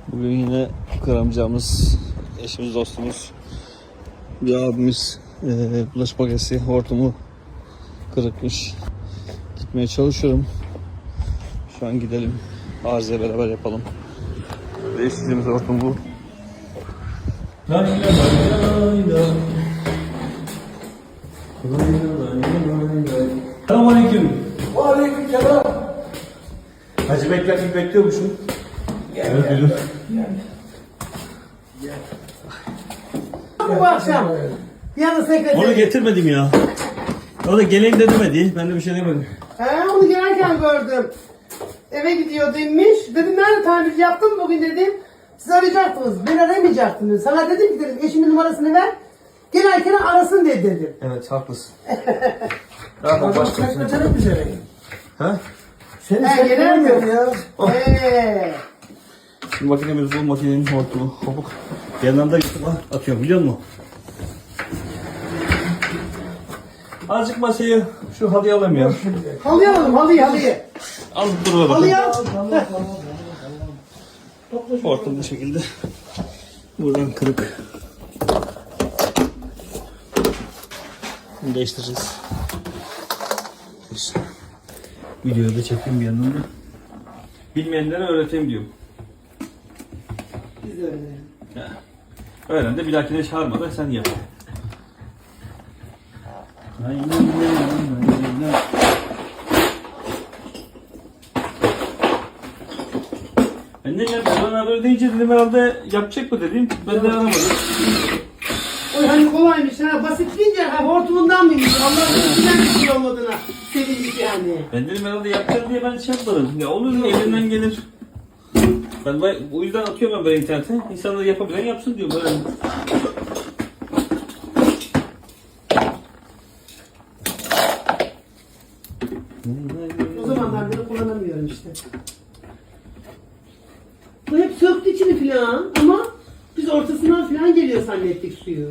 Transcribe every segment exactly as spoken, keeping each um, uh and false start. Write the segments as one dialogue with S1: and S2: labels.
S1: Bugün yine kıramayacağımız eşimiz, dostumuz, bir abimiz e, bulaşık makinesi hortumu kırıkmış. Gitmeye çalışıyorum. Şu an gidelim. Arızaya beraber yapalım. Değiştirdiğimiz hortum bu.
S2: Selamünaleyküm.
S3: Aleykümselam.
S2: Hacı beklerken bekliyormuşum.
S3: Gel
S2: Evet,
S3: gel.
S2: buyurun.
S3: Gel. Bu akşam yarın sekreter.
S2: Onu getirmedim ya. O da geleyim de demedi. Ben de bir şey demedim.
S3: He, onu gelirken gördüm. Eve gidiyor demiş. Dedim nerede tamirci yaptın mı bugün dedim. Siz arayacaktınız. Ben aramayacaktım. Sana dedim ki dedim eşimin numarasını ver. Gelirken arasın dedi dedim.
S2: Evet, haklısın.
S3: Adam sekreterim bize.
S2: Ha?
S3: Seni sekreterim ya. Eee.
S2: Şimdi makinemiz bu, makinenin hortumu. Hopuk. Yanından da YouTube'a atıyorum, biliyor musun? Azıcık masayı şu halıya alayım ya.
S3: Halıyı alalım halıyı halıyı.
S2: Al dur bakayım.
S3: Halıyı al.
S2: Hortum bu şekilde. Buradan kırık. Bunu değiştireceğiz. İşte. Videoyu da çekeyim bir yandan da. Bilmeyenlere öğreteyim diyorum.
S3: Biz de öyle.
S2: Ya. Öğren de bir dahakine çağırma da sen yap. Aynen aynen. Ben de ya bana haber deyince dedim herhalde yapacak mı dedim. Ben de aramadım.
S3: Oy hani kolaymış ha basit deyince ha hortumundan mıymış Allah'ın içinden bir şey olmadığına sevindik yani.
S2: Ben dedim herhalde yapacak diye ben şey yapmadım. Ya olur mu elinden gelir. Ben bu yüzden atıyorum ben böyle internete. İnsanlar yapabilen yapsın diyorum böyle.
S3: O zamanlar bile kullanamıyorum işte. Bu hep söktü içini filan ama biz ortasından filan geliyor zannettik suyu.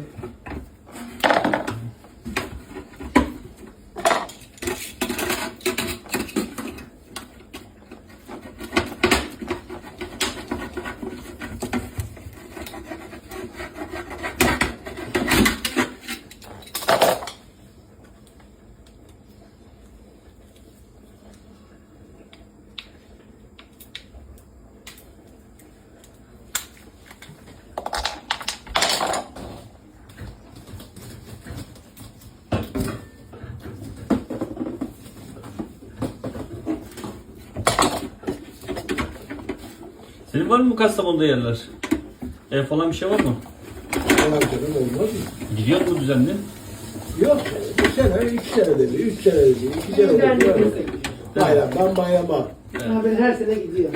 S2: Senin var mı bu Kastamonu'da yerler? Ev falan bir şey var mı?
S4: Olmaz canım, olmaz mı?
S2: Gidiyor mu düzenli?
S4: Yok, bir sene, iki sene dedi, üç sene dedi, iki sene
S3: Bizden de
S4: dedi.
S3: kimse.
S4: Bayramdan bayrama.
S3: Ha, ben her sene gidiyor.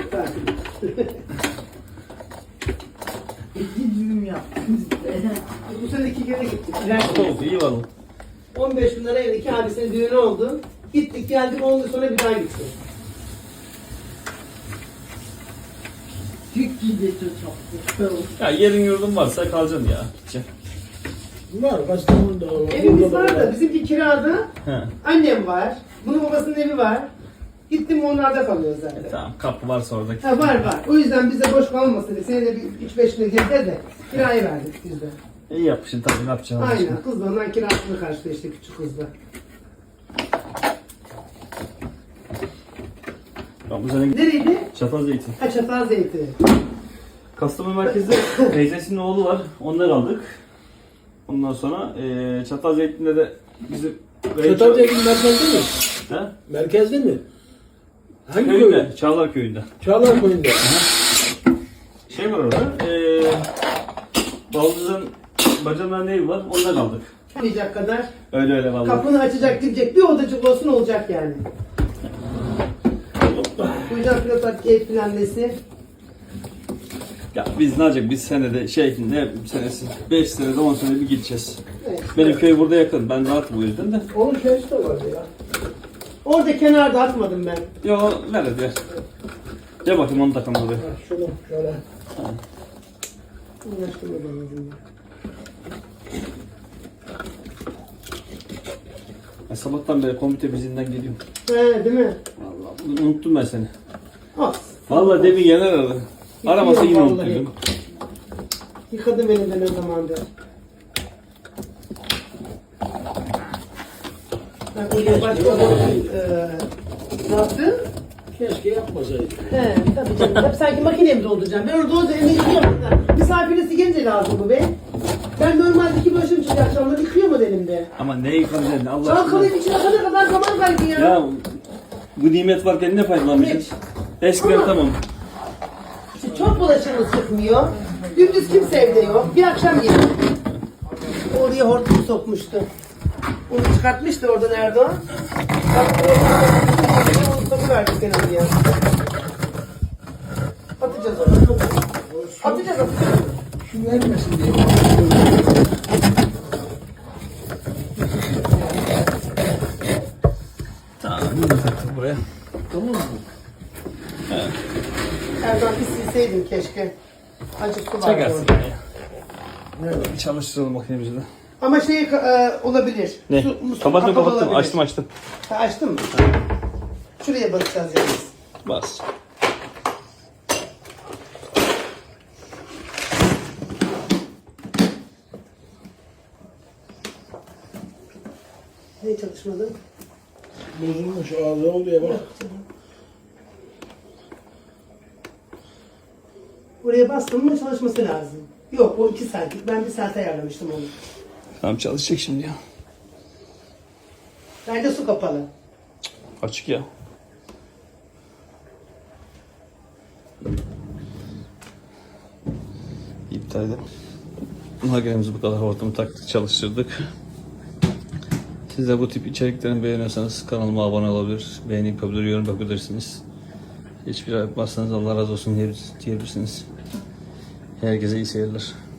S3: İki düğüm yaptım. Bu sene iki kere gittik.
S2: Oldu, iyi valla.
S3: on beş bin liraya iki abisinin düğünü oldu. Gittik geldik on gün sonra bir daha gittik. Türk gibi çok.
S2: Ya yerin yurdun varsa kalacaksın ya. Gideceksin.
S4: Var, Kastamonu'da var.
S3: Evimiz
S4: burada
S3: var da bizimki kirada.
S2: He.
S3: Annem var. Bunun babasının evi var. Gittim onlarda kalıyoruz zaten.
S2: E, tamam, kapı varsa orada.
S3: Ha var var. O yüzden bize boş kalmasın diye. Senede bir üç beş lira girdi de kirayı verdik biz de.
S2: İyi yapmışsın tabii, ne yapacaksın?
S3: Aynen. Kız da ondan kirasını karşıladı işte küçük kızla.
S2: Ben bu sene
S3: Nereydi?
S2: Çatal Zeytin.
S3: Ha Çatal Zeytin.
S2: Kastamonu merkezde teyzesinin oğlu var. Onları aldık. Ondan sonra eee Çatal Zeytin'de de bizim
S4: Çatal Zeytin merkezde mi?
S2: He?
S4: Merkezde mi? Hangi köyde?
S2: Köyünde, Çağlar köyünde.
S4: Çağlar köyünde.
S2: Şey var orada. Eee Baldız'ın bacanların evi var. Ondan aldık.
S3: Olmayacak kadar.
S2: Öyle öyle vallahi.
S3: Kapını açacak gidecek bir odacık olsun olacak yani. Bu yüzden pilot ev planlesi.
S2: Ya biz ne yapacak? Biz senede şey ne senesi beş senede on senede bir gideceğiz.
S3: Evet.
S2: Benim köy burada yakın. Ben rahatım bu yüzden de.
S4: Onun köyü de vardı ya.
S3: Orada kenarda atmadım ben.
S2: Yo ver hadi ver. Gel bakayım onu takalım oraya.
S4: Ha, şunu şöyle.
S3: Uğraştırma bana yüzümden.
S2: Ben sabahtan beri komite bizinden geliyorum.
S3: He değil mi?
S2: Vallahi bugün unuttum ben seni.
S3: Olsun.
S2: Vallahi demin Yener aradı. Aramasa yine
S3: Vallahi.
S2: unutuyorum.
S3: Yıkadım elimden o zamandır. Ben buraya başka eee ne yaptın?
S4: Keşke yapmasaydı.
S3: He tabii canım. Hep sanki makineye mi dolduracağım? Ben orada olunca elini yıkıyorum. Misafirisi gelince lazım bu be. Ben normalde iki başım çıkıyor akşamları yıkıyorum o elimde.
S2: Ama ne yıkayacaksın Allah aşkına.
S3: Çalkalayıp içine kadar kadar zaman kaybı ya.
S2: Ya bu nimet varken ne faydalanmayacaksın? Eskiden
S3: Ama-
S2: tamam.
S3: İşte çok bulaşığımız çıkmıyor. Gündüz kimse evde yok. Bir akşam yedim. Oraya hortumu sokmuştu. Onu çıkartmıştı oradan Erdoğan. Bak orada onu sokuverdik ben oraya. Atacağız onu. Atacağız atacağız.
S4: Şu vermesin diye.
S2: Tamam bunu da taktık buraya.
S4: Tamam mı?
S3: Erdoğan bir silseydin keşke. Acık su vardı
S2: Çakarsın
S3: orada.
S2: ya. Bir çalıştıralım makinemizi de.
S3: Ama şey e, olabilir.
S2: Ne?
S3: Su- su
S2: Kapattım
S3: kapalı
S2: kapattım.
S3: olabilir.
S2: Açtım açtım.
S3: Ha, açtın mı? Şuraya basacağız yalnız.
S2: Bas.
S3: Ne çalışmadı?
S4: Bozulmuş ağzı oldu ya bak.
S3: Oraya bastım mı çalışması lazım. Yok o iki saatlik. Ben bir saat ayarlamıştım onu.
S2: Tamam çalışacak şimdi ya.
S3: Bence su kapalı.
S2: Açık ya. İptal edelim. Makinemizi bu kadar hortumu taktık, çalıştırdık. Siz de bu tip içeriklerini beğeniyorsanız kanalıma abone olabilir, beğeni yapabilir, yorum yapabilirsiniz. Hiçbir yapmazsanız Allah razı olsun diyebilirsiniz. Herkese iyi seyirler.